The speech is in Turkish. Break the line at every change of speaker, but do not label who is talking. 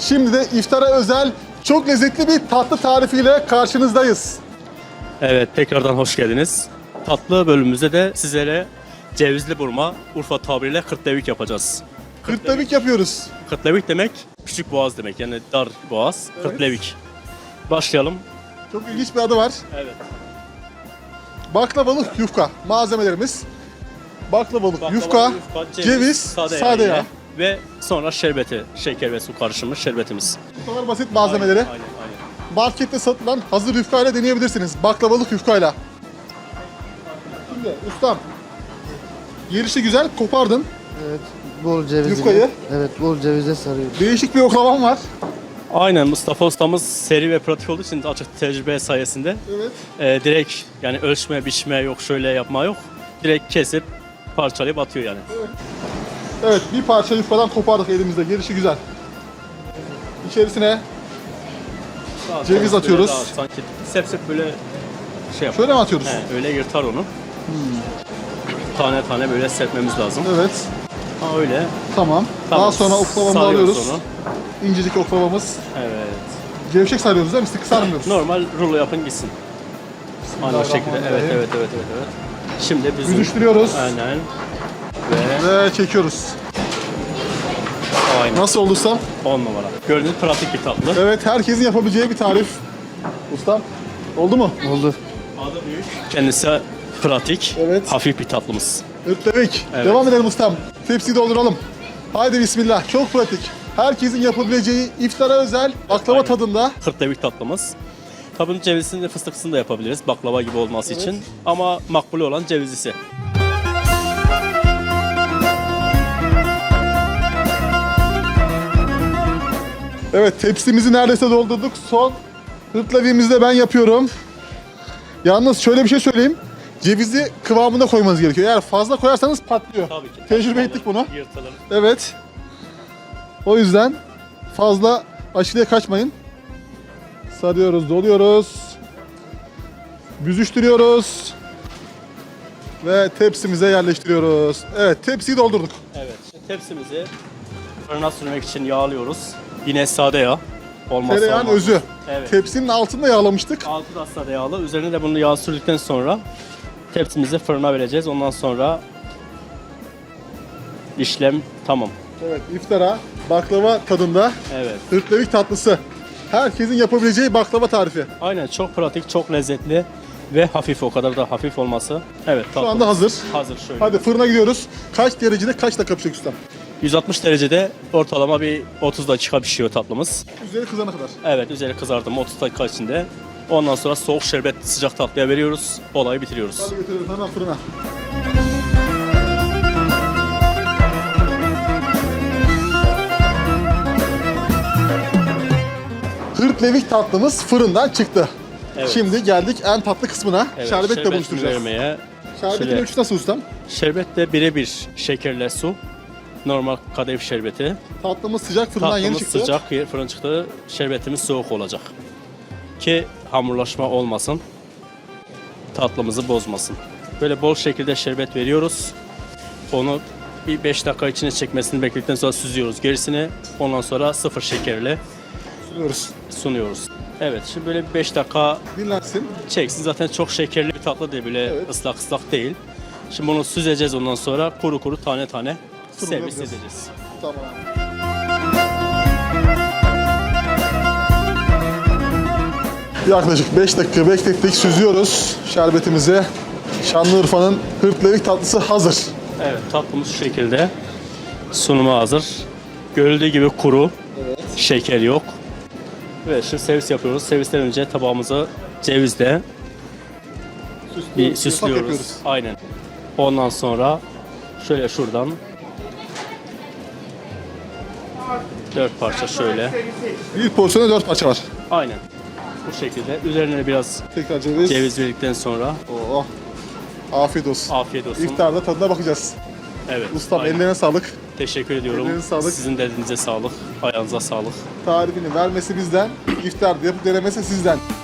Şimdi de iftara özel çok lezzetli bir tatlı tarifiyle karşınızdayız.
Evet, tekrardan hoş geldiniz. Tatlı bölümümüzde de sizlere cevizli burma, Urfa tabiriyle kırtlevik yapacağız.
Kırtlevik yapıyoruz.
Kırtlevik demek küçük boğaz demek, yani dar boğaz,
Evet.
kırtlevik. Başlayalım.
Çok ilginç bir adı var.
Evet.
Baklavalı yufka. Malzemelerimiz baklavalı yufka, ceviz, sade yağ.
Ve sonra şerbeti, şeker ve su karışımı şerbetimiz.
Bu kadar basit malzemeleri
Aynen.
markette satılan hazır yufkayla deneyebilirsiniz. Baklavalık yufkayla. Şimdi ustam, gelişi güzel kopardın.
Evet, bol cevizli.
Yufkayı?
Evet, bol cevize sarıyoruz.
Değişik bir oklavam var.
Aynen, Mustafa ustamız seri ve pratik olduğu için açık tecrübe sayesinde
Evet.
direkt yani ölçme, biçme yok, şöyle yapma yok. Direkt kesip parçalayıp atıyor yani.
Evet, bir parça yufkadan kopardık elimizde. Gelişi güzel. İçerisine ceviz atıyoruz.
Sanki sep böyle şey yapar.
şöyle mi atıyoruz?
Öyle yırtar onu. Tane tane böyle serpmemiz lazım.
Evet.
Ha öyle.
Tamam. Daha sonra oklavamızı
Sarıyoruz
alıyoruz.
onu.
İncecik oklavamız.
Evet.
Gevşek sarıyoruz değil mi? Sıkı sarmıyoruz.
Normal rulo yapın gitsin. Aynı o şekilde. Evet. Şimdi bizim
Büzüştürüyoruz.
Aynen.
Ve çekiyoruz.
Aynen.
Nasıl oldu ustam?
10 numara. Gördüğünüz pratik bir tatlı.
Evet, herkesin yapabileceği bir tarif. Ustam, oldu mu?
Oldu.
Adı büyük. Kendisi pratik.
Evet.
Hafif bir tatlımız.
Ötlemek.
Evet.
Devam edelim ustam. Tepsiyi dolduralım. Haydi bismillah. Çok pratik. Herkesin yapabileceği iftara özel baklava
Aynen.
tadında.
Kırtlevik tatlımız. Tabii cevizini de fıstıklısını da yapabiliriz baklava gibi olması için. Ama makbule olan cevizlisi.
Evet, tepsimizi neredeyse doldurduk. Son hırtlaviğimizi de ben yapıyorum. Yalnız şöyle bir şey söyleyeyim. Cevizi kıvamında koymanız gerekiyor. Eğer fazla koyarsanız patlıyor.
Tabii ki.
Tecrübe ettik bunu.
Yırtılır.
Evet. O yüzden fazla aşırıya kaçmayın. Sarıyoruz, doluyoruz. Büzüştürüyoruz. Ve tepsimize yerleştiriyoruz. Evet, tepsiyi doldurduk.
Evet. Şimdi tepsimizi fırına sürmek için yağlıyoruz. Yine sade yağ. Olmazsa
Tereyağın
olmaz.
özü.
Evet.
Tepsinin altında yağlamıştık.
Altı da sade yağlı. Üzerine de bunu yağ sürdükten sonra tepsimizi fırına vereceğiz. Ondan sonra işlem tamam.
Evet, iftara baklava tadında
Evet.
hırtlavik tatlısı. Herkesin yapabileceği baklava tarifi.
Aynen, çok pratik, çok lezzetli ve hafif, o kadar da hafif olması. Evet,
Şu
tatlı.
anda hazır.
Hazır şöyle.
Hadi fırına gidiyoruz. Kaç derecede kaç dakika pişecek ustam?
160 derecede ortalama bir 30 dakika pişiyor tatlımız.
Üzeri kızana kadar.
Evet, üzeri kızardı mı 30 dakika içinde. Ondan sonra soğuk şerbet sıcak tatlıya veriyoruz. Olayı bitiriyoruz.
Hadi götürelim hemen fırına. Hırtlevik tatlımız fırından çıktı.
Evet.
Şimdi geldik en tatlı kısmına.
Evet,
Şerbetle
şerbetini
buluşturacağız.
vermeye.
Şerbetin
Şöyle-
ölçüsü nasıl ustam?
Şerbet de birebir şekerle su. Normal kadayıf şerbeti.
Tatlımız sıcak fırından yeni
Tatlımız
çıktı.
sıcak, fırın çıktı. Şerbetimiz soğuk olacak. Ki hamurlaşma olmasın. Tatlımızı bozmasın. Böyle bol şekilde şerbet veriyoruz. Onu bir 5 dakika içine çekmesini bekledikten sonra süzüyoruz gerisini. Ondan sonra sıfır şekerle
Sürüyoruz.
sunuyoruz. Evet, şimdi böyle bir 5 dakika
Dinlensin.
çeksin. Zaten çok şekerli bir tatlı değil, böyle
Evet.
ıslak ıslak değil. Şimdi bunu süzeceğiz, ondan sonra kuru kuru tane tane
Sunum
servis
yapacağız.
edeceğiz.
Tamam. Yaklaşık 5 dakika beklettik, süzüyoruz şerbetimizi. Şanlıurfa'nın hırtlevik tatlısı hazır.
Evet, tatlımız şu şekilde. Sunuma hazır. Görüldüğü gibi kuru. Şeker yok. Evet, şimdi servis yapıyoruz. Servisten önce tabağımızı cevizle bir
Yapak
süslüyoruz.
yapıyoruz.
Aynen. Ondan sonra şöyle şuradan 4 parça şöyle.
Bir porsiyona 4 parça var.
Aynen. Bu şekilde. Üzerine biraz
Tekrar ceviz.
ceviz verdikten sonra
Oh. Afiyet olsun.
afiyet olsun.
İftarda tadına bakacağız.
Evet.
Ustam
aynen.
ellerine sağlık.
Teşekkür ediyorum.
Ellerine sağlık.
Sizin de elinize sağlık. Ayağınıza sağlık.
Tarifini vermesi bizden, iftarda yapıp denemesi sizden.